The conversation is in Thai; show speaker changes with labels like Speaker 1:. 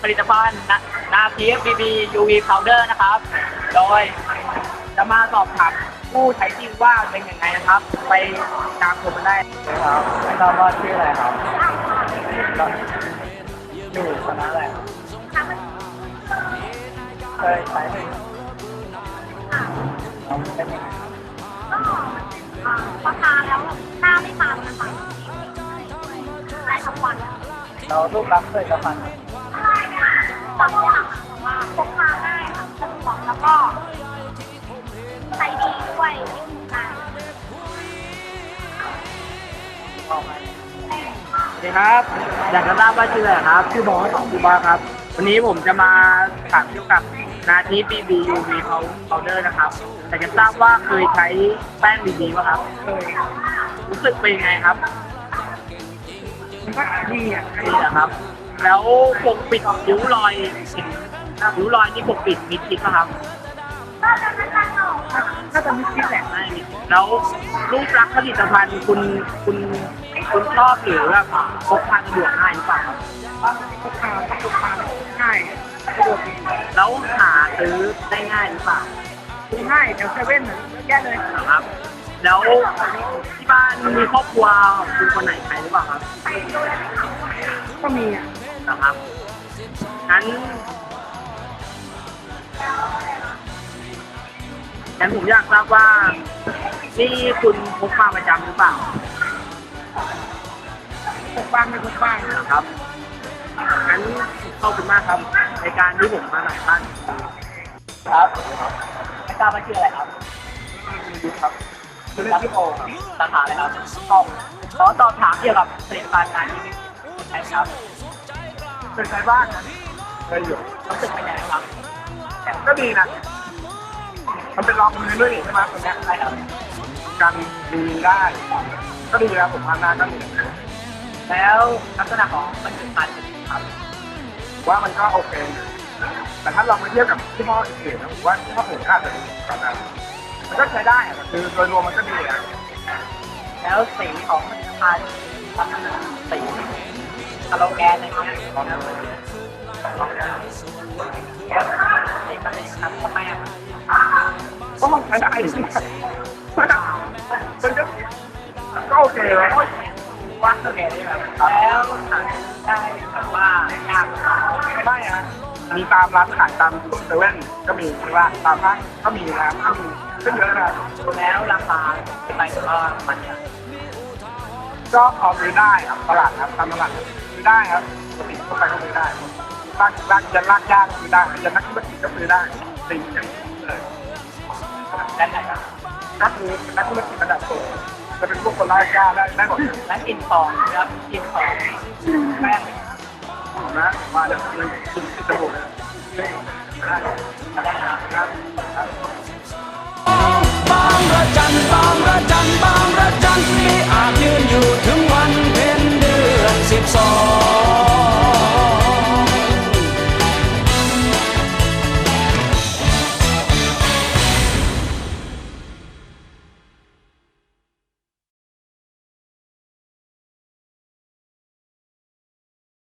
Speaker 1: ผลิตภัณฑ์นาทีฟบีบียูวีพาวเดอร์นะครับโดยจะมาสอบถามผู้ใช้จริงว่าเป็นยังไงนะครับ ไปตามชมกันได้ครับไม่ทราบว่าชื่ออะไรครับอยู่คณะอะไรเคยใช้ไหมเป็นยังไง
Speaker 2: พอทานแล้วหน้าไม่มันนะคะใช้ทั้งวัน
Speaker 1: เรารูปลักษณ์เคยสัมผัส
Speaker 2: ต้องว่าพกพาง่ายค่ะสะดวกแล้วก็ใช้ดีด้วยที่ทำงาน
Speaker 1: สวัสดีครับอยากจะทราบว่าชื่ออะไรครับชื่อบอสชื่อบอสครับวันนี้ผมจะมาถามเกี่ยวกับนาทีบีบียูวีพาวเดอร์นะครับอยากจะทราบว่าเคยใช้แป้งบีบีป่ะครับเคยรู้สึกเป็นยังไงครับมันก็ดีอ่ะดีนะครับแล้วปกปิดริ้วรอยริ้วรอยที่ปกปิดมีพิษป่ะครับถ้าจะมีพิษแหละไม่มีแล้วรูปลักษณ์ผลิตภัณฑ์คุณชอบหรือแบบพกพาสะดวกง่ายหรือเปล่าครับพกพาง่ายสะดวกดีแล้วหาซื้อได้ง่ายหรือเปล่าซื้อง่ายแถวเซเว่นแย่เลยครับแล้วที่บ้านมีครอบครัวคุณคนไหนใช้หรือเปล่าครับก็มีนะครับงั้นผมอยากทราบว่านี่คุณพกพาประจำหรือเปล่าพกบ้างไม่พกบ้างนะครับงั้นขอบคุณมากครับในการที่ผมมาหลายท่านครับไม่ทราบว่าชื่ออะไรครับครับชื่อพี่โอครับสาขาอะไรครับขอสอบถามเกี่ยวกับผลิตภัณฑ์งานที่นี่ใช่ครับเป็นไงบ้างเคยอยู่รู้สึกเป็นยังไงครับก็ดีนะมันเป็นรองมือด้วยใช่ไหมตรงนี้ใช่ครับการดีได้ก็ดีแล้วผมทำงานก็ดีแล้วลักษณะของผลิตภัณฑ์ครับว่ามันก็โอเคแต่ถ้าเราไปเทียบกับที่ห้ออื่นนะผมว่าที่ห้ออื่นอาจจะดีกว่านั้นมันก็ใช้ได้คือโดยรวมมันก็ดีแล้วสีของผลิตภัณฑ์สีสโลแกนอะไรเงี้ยทำไมก็มันใช้ได้มันก็โอเคแล้วว่าโอเคได้แบบแล้วได้แบบว่ายากไม่ฮะมีตามร้านขายตามเซเว่นก็มีว่าตามห้างก็มีนะก็มีขึ้นเยอะนะแล้วราคาไปก็มันก็พอซื้อได้ครับตลาดครับตามตลาดซื้อได้ครับปกติทั่วไปก็ซื้อได้ลากจะลากยากซื้อได้จะนักธุรกิจก็ซื้อได้สิ่งอย่างเลยด้านไหนครับก็คือนักธุรกิจระดับสูงจะเป็นพวกคนลากยากได้หมดและกินทองครับกินทองแป้งนะมาแล้วกินจมูกได้ครับ
Speaker 3: บางระจันบางระจันบางระจันที่อาจยืนอยู่ถึงวันเพ็ญเดือน12